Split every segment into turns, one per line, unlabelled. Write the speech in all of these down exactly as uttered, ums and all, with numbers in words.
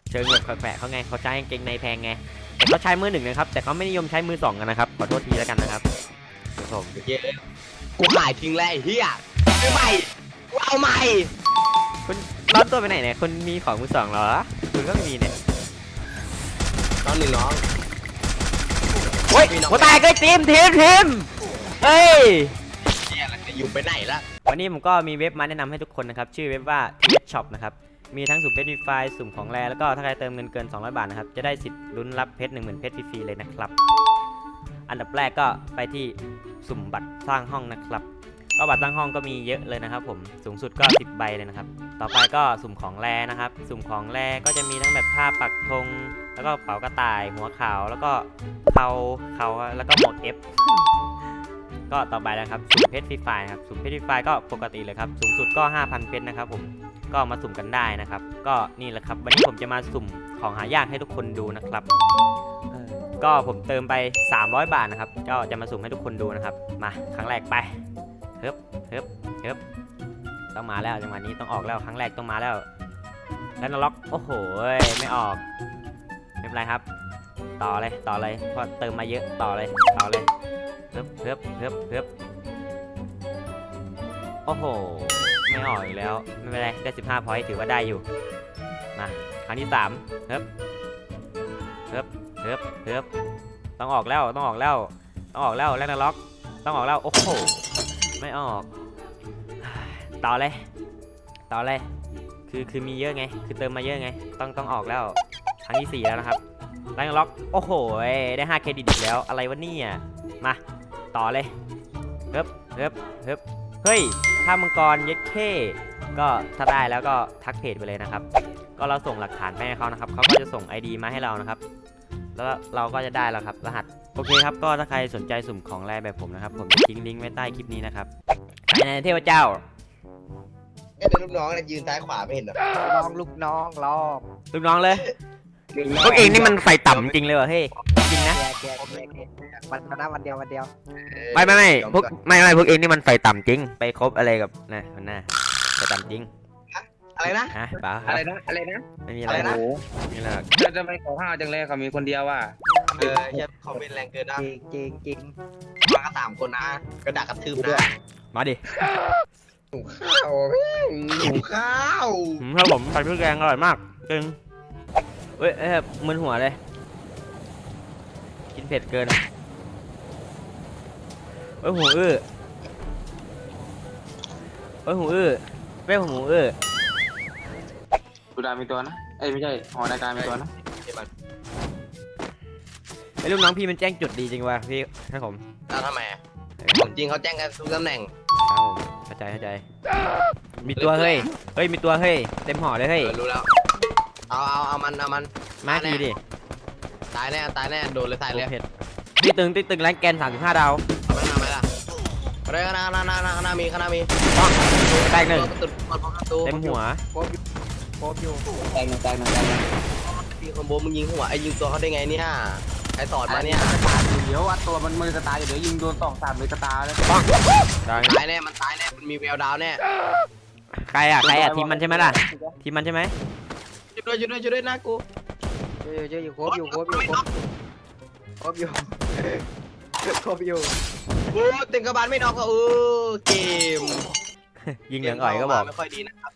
เชิงแบบแปลกๆเขาไงเขาใช้กางเกงในแพงไงแต่เขาใช้มือหนึ่งนะครับแต่เขาไม่นิยมใช้มือสองกันนะครับขอโทษทีแล้วกันนะครับผม
เยอะกูขายทิ้งแล้วไอ้เหี้ยซื้อใหม่กูเอาใหม่
คุณร้อนตัวไปไหนเนี่ยคุณมีของมือสองเหรอคุณก็ไม่มีเนี่ย
น้องหนึ่งน้อง
โอ้ยหัวแตกเลยทีมทีมทีมเฮ้ย
เนี่ยแล้วจะอยู่ไปไหนละ
วันนี้ผมก็มีเว็บมาแนะนำให้ทุกคนนะครับชื่อเว็บว่า ที เอส ช็อป นะครับมีทั้งสุ่มเพชรฟรีสุ่มของแรแล้วก็ถ้าใครเติมเงินเกินสองร้อยบาทนะครับจะได้สิทธิ์ลุ้นรับเพชร หนึ่งหมื่น เพชรฟรีๆเลยนะครับอันดับแรกก็ไปที่สุ่มบัตรสร้างห้องนะครับก็บัตรสร้างห้องก็มีเยอะเลยนะครับผมสูงสุดก็สิบใบเลยนะครับต่อไปก็สุ่มของแรนะครับสุ่มของแรก็จะมีทั้งแบบผ้าปักธงแล้วก็เป๋ากระต่ายหัวขาวแล้วก็เขาเขาแล้วก็หมวก F ก็ต่อไปนะครับสุ่มเพชรฟรีไฟครับสุ่มเพชรฟรีไฟก็ปกติเลยครับสูงสุดก็ ห้าพัน เพชรนะครับผมก็มาสุ่มกันได้นะครับก็นี่แหละครับวันนี้ผมจะมาสุ่มของหายากให้ทุกคนดูนะครับก็ผมเติมไปสามร้อยบาทนะครับก็จะมาสุ่มให้ทุกคนดูนะครับมาครั้งแรกไปเฮ้ยเฮ้ยเฮ้ยต้องมาแล้วจังหวะนี้ต้องออกแล้วครั้งแรกต้องมาแล้วแล้วนล็อกโอ้โหไม่ออกไม่เป็นไรครับต่อเลยต่อเลยเพราะเติมมาเยอะต่อเลยต่อเลยเฮ้ยเฮ้ยเฮ้ยเฮ้ยโอ้โหไม่ออกอีกแล้วไม่เป็นไรได้สิบห้าพอยต์ถือว่าได้อยู่มาครั้งที่สามเฮ้ยเฮ้ยเฮ้ยเฮ้ยต้องออกแล้วต้องออกแล้วต้องออกแล้วแล้วนล็อกต้องออกแล้วโอ้โหไม่ออกต่อเลยต่อเลยคือคือมีเยอะไงคือเติมมาเยอะไงต้องต้องออกแล้วครั้งที่สี่แล้วนะครับแล้วนล็อกโอ้โหได้ห้าเครดิตอีกแล้วอะไรวะเนี่ยมาต่อเลยเฮ้ยเฮ้ยเฮ้ยเฮ้ยถ้ามังกรเย็ดเข้ก็ถ้าได้แล้วก็ทักเพจไปเลยนะครับก็เราส่งหลักฐานไปให้เขานะครับเขาก็จะส่ง ไอ ดี มาให้เรานะครับแล้วเราก็จะได้แล้วครับรหัสโอเคครับก็ถ้าใครสนใจสุ่มของแรแบบผมนะครับผมจะทิ้งลิงก์ไว้ใต้คลิปนี้นะครับในเทพเจ้า
ไอ้เป็นลูกน้องเนี่ยยืนซ้ายขวาไม่เห็นเหรอ
ลองลูกน้องลอง
ลูกน้องเลยพวกเองนี่มันไฟต่ำจริงเลยเหรอเฮ้ยจริงนะ
แกแกแกแกวันนะวันเดียววันเดียว
ไม่ไม่ไม่พวกไม่ไม่พวกเองนี่มันไฟต่ำจริงไปคบอะไรกับนะคนหน้าไฟต่ำจริง
อะไรนะ
ฮะเปล่าครั
อะ
บ
ไรนะอะไรนะ
ไม่มีอะ
อะไร ไรนะ
ไม่มีอะไรหรอก
จะจะไปขอข้าวจังเลยเขามีคนเดียวว่ะ
เออเฮียคอมเมนต์แรงเกินนะ
จริงจริงจริง
มากันสามคนนะกระดากกระทืบนะ
มาดิ
ข้าวหิวข้าว
อืมครับผมใส่พริกแกงอร่อยมากจริงเฮ้ยเอ้ยมึนหัวเลยกินเผ็ดเกินเฮ้ยหูอื้อเฮ้ยหูอื้อเว้ยหูอื้อ
สุดามีตัวนะเอ้ยไม่ใช่หอนาการมีตัวนะ
ไอ้ลูกน้องพี่มันแจ้งจุดดีจริงว่ะพี่ครับผม
แล้วทำไมอะของจริงเขาแจ้งกันทุกตำแหน่ง
ครับผมเข้าใจเข้าใจมีตัวเฮ้ยเฮ้ยมีตัวเฮ้ยเต็มห่อเลยเฮ้ย
เออรู้แล้วเอาเอาเอามันเอามัน
มาทีดิ
ตายแน่ตายแน่โดนเลยตายเลย
เผ็ดตีตึงตีตึงแรงแกนสามสิบห้าดาว
เอามันมาไหมล่ะเรื่องนานานานานามีคณะมี
แตกหนึ่ง
ประตูประตู
เต็มหัว
โคบอยู่โคบอยู่
แตงหนึ่งแตงหนึ่งแตงหนึ่ง
มีคอมโบมึงยิงหัวไอ้ยิงตัวเขาได้ไงเนี่ยใครสอนมาเนี่ย
ตาอยู่เดี๋ยวอัดตัวมันมือจะตายอยู่เดี๋ยวยิงโดนสองสามมือจะตายแล้ว
ดัง
ตายแน่มันตายแน่มันมีแววดาวแน่
ใครอ่ะใครอ่ะทีมมันใช่ไหมล่ะทีมมันใช่ไหม
ช่วยด้วยช่วยด้วยช่วยด้วยนะกู
เจอเจออยู่โคบอยู่โคบอยู่โคบโคบอยู่โคบอยู่
โอ้เต็งกระบาลไม่นอกก็เออเกม
ยิงเหลืองอ่อยก็บอก
ไม่ค่อยดีนะครับ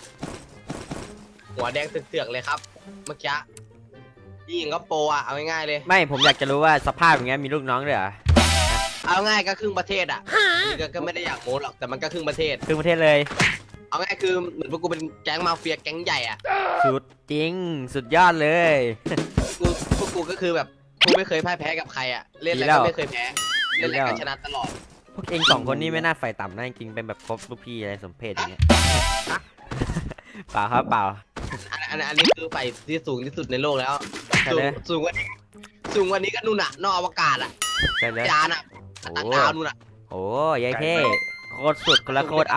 หัวแดงเสือกๆเลยครับเมื่อกี้ยิงก็โปรอ่ะเอาง่ายๆเลย
ไม่ผมอยากจะรู้ว่าสภาพอย่างเงี้ยมีลูกน้องด้วยเหรอ
เอาง่ายก็ครึ่งประเทศอ่ะนี่ก็ก็ไม่ได้อยากโม้หรอกแต่มันก็ครึ่งประเทศ
คือประเทศเลย
เอาง่ายคือเหมือนพวกกูเป็นแก๊งมาเฟียแก๊งใหญ่อ่ะ
สุดจริงสุดยอดเลย
กูพวกกูก็คือแบบกูไม่เคยพ่ายแพ้กับใครอ่ะเล่นอะไร
ดีแล้ว
ก็ไม่เคยแพ้เล่นอะไร
ดีแล้ว
ก็ชนะตลอด
พวกเองสองคนนี่ไม่น่าไฟต่ำนะจริงๆเป็นแบบครบลูกพี่อะไรสมเพศอย่างเงี้ยเปล่าครับเปล่า
อันอันอันนี้คือไฟที่สูงที่สุดในโลกแล้ว
ใช่
สู
เล
ง
ย
สูงกว่านี้สูงกว่านี้ก็นู่นน่ะนอกอวกาศอ่ะ
ใช่เลย
จานอ่ะ
โอ้
ต่างดาวนู่นน่ะ
โอ้ยายเท่โคตรสุดคนละโคตรเอา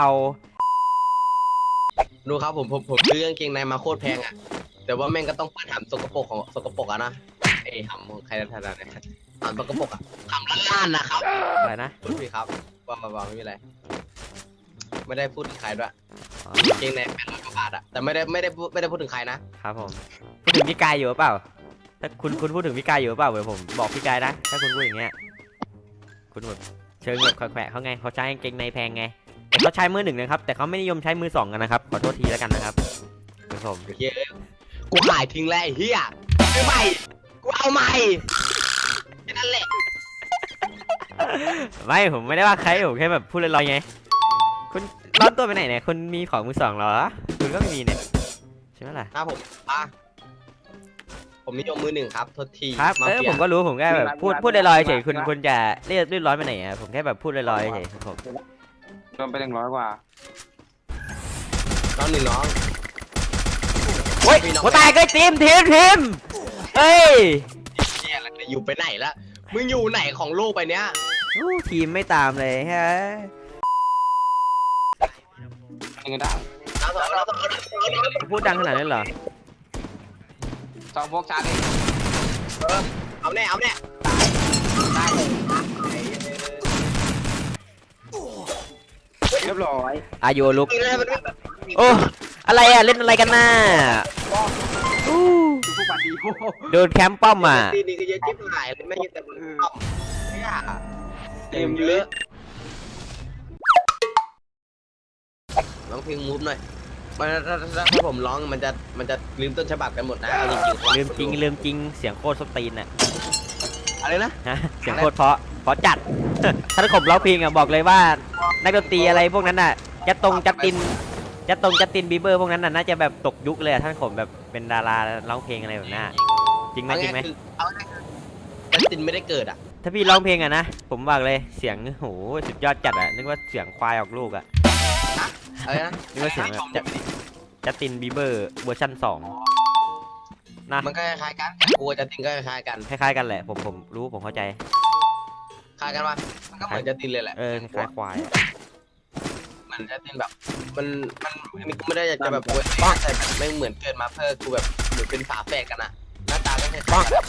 ดูครับผมผมผมซื้อกางเกงในมาโคตรแพงอ่ะแต่ว่าแม่งก็ต้องเปิดหำสกปรกของสกปรกอ่ะนะไอ้หำของใครนะท่านนะหำสกปรกอ่ะหำล้านๆนะครับ
อะไรนะ
พูดผิดครับว่ามาว่าไม่มีอะไรไม่ได้พูดถึงใครด้วยกางเกงในแปดร้อยกว่าบาทอะแต่ไม่ได้ไม่ได้พูดไม่ได้พูดถึงใครนะครับ
ผมพูดถึงพี่กายอยู่หรือเปล่าถ้าคุณคุณพูดถึงพี่กายอยู่หรือเปล่าเดี๋ยวผมบอกพี่กายนะถ้าคุณพูดอย่างเงี้ยคุณแบบเชิงแบบแขวะเขาไงเขาใช้กางเกงในแพงไงแต่เขาใช้มือหนึ่งนะครับแต่เขาไม่นิยมใช้มือสองกันนะครับขอโทษทีแล้วกันนะครับคุณผม
เฮ้ยกูขายทิ้งแล้วไอ้เฮียซื้อใหม่กูเอาใหม่แค่นั้นแหละ
ไม่ผมไม่ได้ว่าใครผมแค่แบบพูดลอยๆไงคุณร้อนตัวไปไหนเนี่ยคุณมีของมือสองเหรอคุณก็ไม่มีเนี่ยใช่ไหมล่ะ
ครับผมอ่ะผมนิยมมือหนึ่งครับโทษที
ครับ
มา
เออ
ฟีย
ผมก็รู้ผมแค่แบบพูดพูดลอยๆเฉยคุณคุณจะเรียบเรียบร้อยไปไหนอ่ะผมแค่แบบพูดลอยๆเฉยครับผม
โดนไปหนึ่งร้อยกว่า
น้องหนึ่งน้อง
โอ้ยหัวตายก็ทีมทีมทีมเอ้ย
เฮียอะไรเนี่ยอยู่ไปไหนละมึงอยู่ไหนของโลกไปเนี้ย
อู้ทีมไม่ตามเลยฮะ
ยิงกันได้
เอาต่อเอาต่อเอาต่อเอาต่อ
พูดดังขนาดนั้นเหรอ
สองพวกชาร์จเอง
เออเอาแน่เอาแน่ได้
เรียบร้อย
อายุลุก
ได้มันไม่
โอ้อะไรอ่ะเล่นอะไรกันน่ะอู้
คือผู้บัตรดีโอ้โห
โดนแคมป์ป้อมอ่ะ
ตีนี่ก็เยอะจิ๊บหายเลยไม่ใช่แต่มึงต้อมเนี่ยเต็มเยอะร้องเพลงมูฟหน่อยมันถ้าถ้าถ้าผมร้องมันจะมันจะลืมต้นฉบับกันหมดนะเอาจริงๆ
ลืมจริงลืมจริงเสียงโคตรสตีนอ่ะ
อะไรนะ
ฮะเสียงโคตรเพราะเพราะจัด ถ้าผมร้องเพลงอ่ะบอกเลยว่านักดนตรีอะไรพวกนั้นอ่ะจะตรงจัดตินจะตรงจัดตินบีเบอร์พวกนั้นน่ะน่าจะแบบตกยุคเลยอ่ะท่านผมแบบเป็นดาราร้องเพลงอะไรแบบนั้นอะจริงไหม
เอา
จริงไหม
ง่ายๆคือเอาง่ายๆคือจัสตินไม่ได้เกิดอ่ะ
ถ้าพี่ร้องเพลงอ่ะนะผมบอกเลยเสียงโหสุดยอดจัดอ่ะนึกว่าเสียงควายออกลูกอ่ะ
อะไรนะ
นึกว่าเสียงแบบจัดจัดตินบีเบอร์เวอร์ชันสองนะ
มันก็คล้ายๆกันกูกับจัสตินก็คล้ายๆกัน
คล้ายๆกันแหละผมผมรู้ผมเข้าใจ
คล้ายกันว่ามันก็เหมือนจัสตินเลยแหละ
เออคล้ายๆควายอะ
มันจัสตินแบบมันมันอันนี้กูไม่ได้อยากจะแบบโวยแต่แบบไม่งเหมือนเกิดมาเพื่อกูแบบเหมือนเป็นฝาแฝดกันอะหน้าตาก็คล้ายๆกัน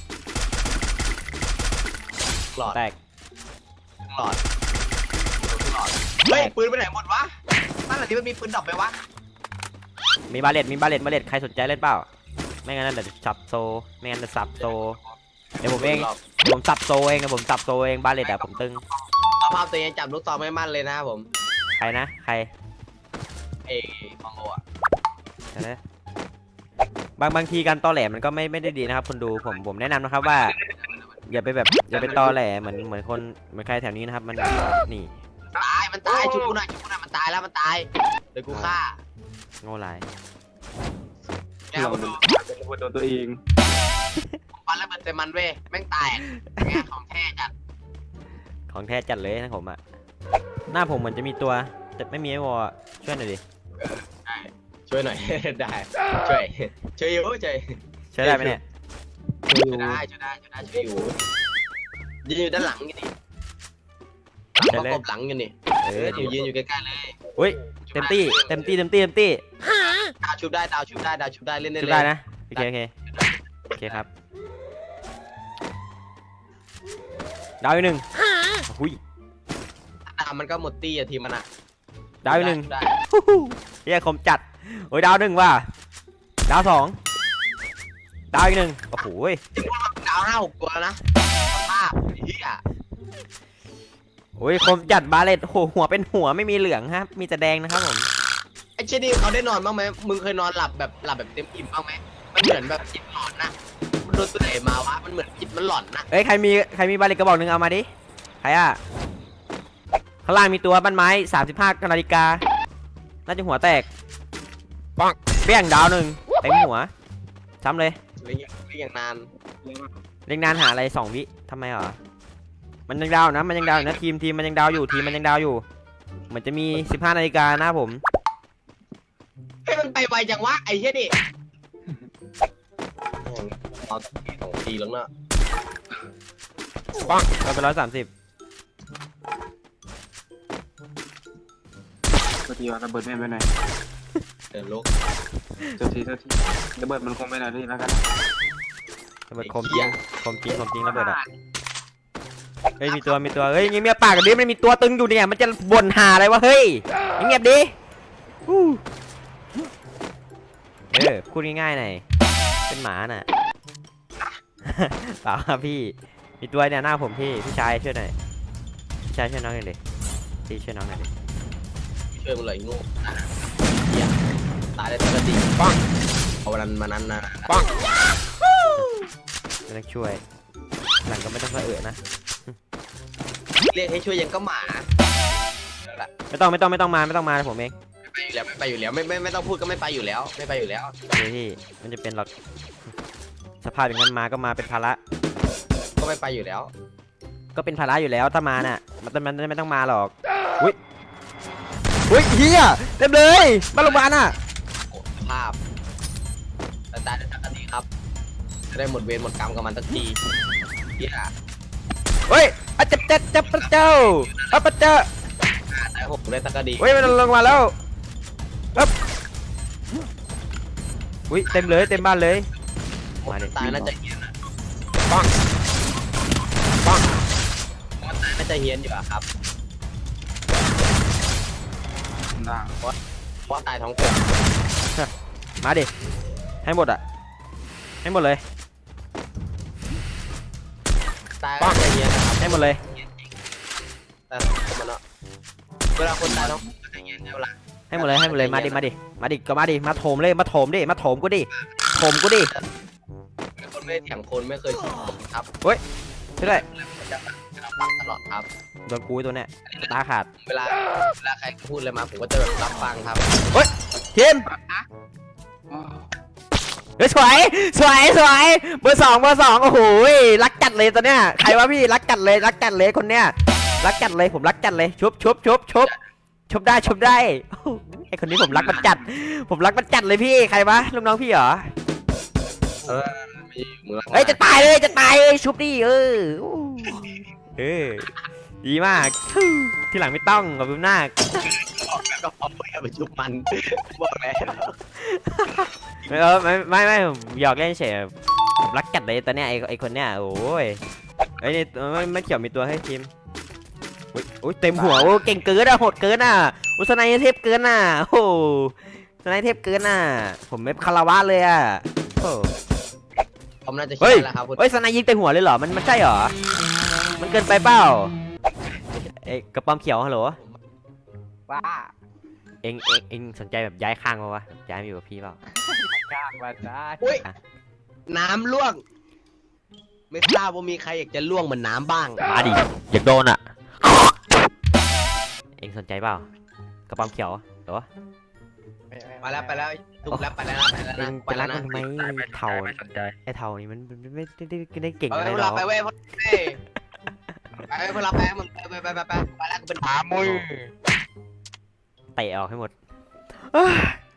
หลอด
แตก
หลอดหลอดเฮ้ยปืนไปไหนหมดวะบ้านหลังนี้มันมีปืนดรอปไหมวะ
มีบาเลตมีบาเลตบาเลตใครสนใจเล่นเปล่าไม่งั้นเดี๋ยวสับโซไม่งั้นจะสับโซเดี๋ยวผมเองเดี๋ยวผมสับโซเองเดี๋ยวผมสับโซเองบาเลตอะผมตึง
สภาพตัวเองจับลูกซองไม่มั่นเลยนะครับผม
ใครนะใคร
เอ้มองโกอะ
ใช่ไหมบางบางทีการตอแหลมันก็ไม่ไม่ได้ดีนะครับคนดูผมผมแนะนำนะครับว่า อย่าไปแบบอย่าไปตอแหลเหมือนเหมือนคนเหมือนใครแถวนี้นะครับมันนี่
ตายมันตายชุบกูหน่อยชุบกูหน่อยมันตายแล้วมันตายเดี๋ยวกูฆ่า
โง่หลาย
เนี่ยผมดู
เป็นระเบิดโดนตัวเอง
ฟันแล้วมันเต็มมันเว้ยแม่งแตกเนี่ยของแท้จัด
ของแท้จัดเลยนะผมอะหน้าผมเหมือนจะมีตัวแต่ไม่มีไอ้วอลช่วยหน่อยดิ
ได้ช่วยหน่อย ได้ช่วยช่วยอยู่ช่วย
ช่วยได้ไหมเนี่ย
ช่วยได้ช่วยได้ช่วยได้ช่วยอยู่ยืนอยู่ด้านหลังกันนี่หลังประกบหลังกันนี่
เอ
เอ
อ
ออยู่ยืนอยู่ใกล้ๆเลย
อุ้ยเต็มที่เต็มที่เต็มที่เต็มที่
ดาวชุบได้ดาวชุบได้ดาวชุบได้เล่นได้
ช่วย
เล
ได้
ย
นะโอเคโอเคโอเคครับดาวอีกหนึ่งหุย
ดาวมันก็หมดตี้อะทีมมันอะ
ดาวอีกหนึ่ง
ได้
ฮู้ฮู้เฮียคมจัดโอ้ยดาวหนึ่งว่ะดาวสองดาวอีกหนึ่งโอ้โหย
ดาวห้าหกตัวแล้วนะภาพเฮีย
โอ้ยคมจัดบาเลตโอ้โหหัวเป็นหัวไม่มีเหลืองครับมีแต่แดงนะครับผม
ไอ้เชนี่เขาได้นอนบ้างไหมมึงเคยนอนหลับแบบหลับแบบเต็มอิ่มบ้างไหมมันเหมือนแบบจิตหลอนนะมันโดนตัวไหนมาวะมันเหมือนจิตมันหลอนนะ
เอ้ยใครมีใครมีบาเลตกระบอกหนึ่งเอามาดิใครอ่ะข้างล่างมีตัวบ้านไม้สามสิบห้านาฬิกาน่าจะหัวแตกปังเปี้ยงดาวหนึ่งเต็มหัวซ้ำเลย
เรียกเรียกอย่างนาน
เล่นนานหาอะไรสองวิทำไมเหรอมันยังดาวนะมันยังดาวอยู่นะทีมทีมมันยังดาวอยู่ทีมมันยังดาวอยู่เหมือนจะมีสิบห้านาฬิกานะผม
เฮ้ยมันไปไวจังวะไอ้เหี้ยนี่เอาสองทีแล้วเนอะ
ปังเราไปร้อยสามสิบ
ตัวทีว่าระเบิดไม่ไปไหน
เดินลุก
ตัวทีตัวทีระเบิดมันคงไปไหนที่แล้วกัน
ระเบิดคมจริงคมจริงคมจริงระเบิดอ่ะเฮ้ยมีตัวมีตัวเฮ้ยเงียบๆปากกันดิมันมีตัวตึงอยู่เนี่ยมันจะบ่นหาอะไรวะเฮ้ยเงียบๆดิอู้เออพูดง่ายๆหน่อยเป็นหมาน่ะ เปล่าครับพี่มีตัวเนี่ยหน้าผมพี่พี่ชายช่วยหน่อยพี่ชายช่วยน้องหน่อยดิพี่ช่วยน้องหน่อยดิ
ช่วยมึงเลยงูเหี้ยตายได้ปกติปังเอาวันนั้นมานั้นนะ
ไม่ต้องช่วยหลังก็ไม่ต้องกระเอะนะ
เรียกให้ช่วยยังก็หมา
ไม่ต้องไม่ต้องไม่ต้องมาไม่ต้องมาผมเอง
ไปอยู่แล้วไม่ไปอยู่แล้วไม่ไม่ไม่ต้องพูดก็ไม่ไปอยู่แล้ว ไม่ไปอยู่แล้ว
เดี๋ยวพี่มันจะเป็นหรอกสภาพอย่างนั้นมาก็มาเป็นภาระ
ก็ไม่ไปอยู่แล้ว
ก็เป็นภาระอยู่แล้วถ้ามาน่ะมันมันมันไม่ต้องมาหรอกอุ้ยอุ้ยเฮียเต็มเลยบ้านโรงพยาบาลน่ะ
โอ้ภาพแต่ตายได้สักทีครับจะได้หมดเวรหมดกรรมกับมันสักทีเฮีย
เฮ้ยอะจับจับจับพระเจ้าอะพระเจ้า
ตายหกได้สักที
เฮ้ยมันลงมาแล้วปึ๊บอุ้ยเต็มเลยเต็มบ้านเลยมาดิ
ตายน่าจะเฮียนนะปังปังมันตายน่าจะเฮียนอยู่อะครับ
ด่าง
เพราะตายท้องกลม
มาดิให้หมดอ่ะให้หมดเลย
ตายน่าจะเฮียนนะครับ
ให้หมดเลย
แต่คนมันเนาะเวลาคนตายท้องกลมจะเฮียนเวลา
ให้หมดเลยให้หมดเลยมาดิมาดิมาดิก็มาดิมาโถมเลยมาโถมดิมาโถมกูดิโถมกูดิ
คนไม่เถียงคนไม่เคยเถียงคนครับ
ช่วยด้วย
จะรับฟังตลอดครับ
โดนกูไอ้ตัวเนี้ยตาขาด
เวลาเวลาใครพูดอะไรมาผมก็จะแบบรับฟังครับ
ทีมเฮ้ยสวยสวยสวยเบอร์สองเบอร์สองโอ้โหรักจัดเลยตัวเนี้ยใครวะพี่รักจัดเลยรักจัดเลยคนเนี้ยรักจัดเลยผมรักจัดเลยชุบชุบชุบชุบชุบได้ชุบได้โอ้โหไอคนนี้ผมรักมันจัด ผมรักมันจัดเลยพี่ใครวะลูกน้องพี่เหรอ
เออมีมือ
เฮ้ยจะตายเลยจะตายเลยชุบดิเออเออดีมากที่หลังไม่ต้องขอบคุณมาก
ก็พอไม่เอาไปชุบมันบอกแล้ว
ไม่เออไม่ไม่ไม่ผมหยอกเล่นเฉยผมรักจัดเลยตอนเนี้ยไอไอคนเนี้ยโอ้ยไอนี่ไม่ไม่เกี่ยวมีตัวให้ทีมอุ้ยอุ้ยเต็มหัวโอ้เก่งเกินอะโหดเกินอะอุสนัยเทพเกินอะโอ้โหอุสนัยเทพเกินอะผมไม่คารวะเลยอะโอ้
ผมน่าจะ
เฮ้
เชื่
ย
อแล้วครับคุณ
เฮ้ยสนัยยิงเต็มหัวเลยเหรอมันมันใช่เหรอมันเกินไปเปล่าเอ้ยกระป๋อมเขียวฮัลโหล
บ้า
เอ็งเอ็งเอ็งสนใจแบบย้ายข้างมาวะย้ายมาอยู่กับพี่เปล่า
จ้างมาได้
อุ้ยน้ำล่วง ไม่ทราบว่ามีใครอยากจะล่วงเหมือนน้ำบ้าง
มาดิอยากโดนอ่ะ เอ็งสนใจเปล่ากระป๋อมเขียวเหรอ
ไปแล้วไปแล้วถูกแล้วไปแล้วไปแล้ว
เอ็
นะ
ง
ไป
จะรั
แล้
ก
ว
มั
นะ
นทำไมเท่าไอ้เท่านี่มันมันไม่ได้ไม่ได้เก่ง
เอา
อะไร
เว
หร
ลา
อก
ไปเว้ยเฮ้ยไปเวลาไปมันไปไปไปไปไปแล้วกูเป็น
ขามุย
เตะออกให้หมด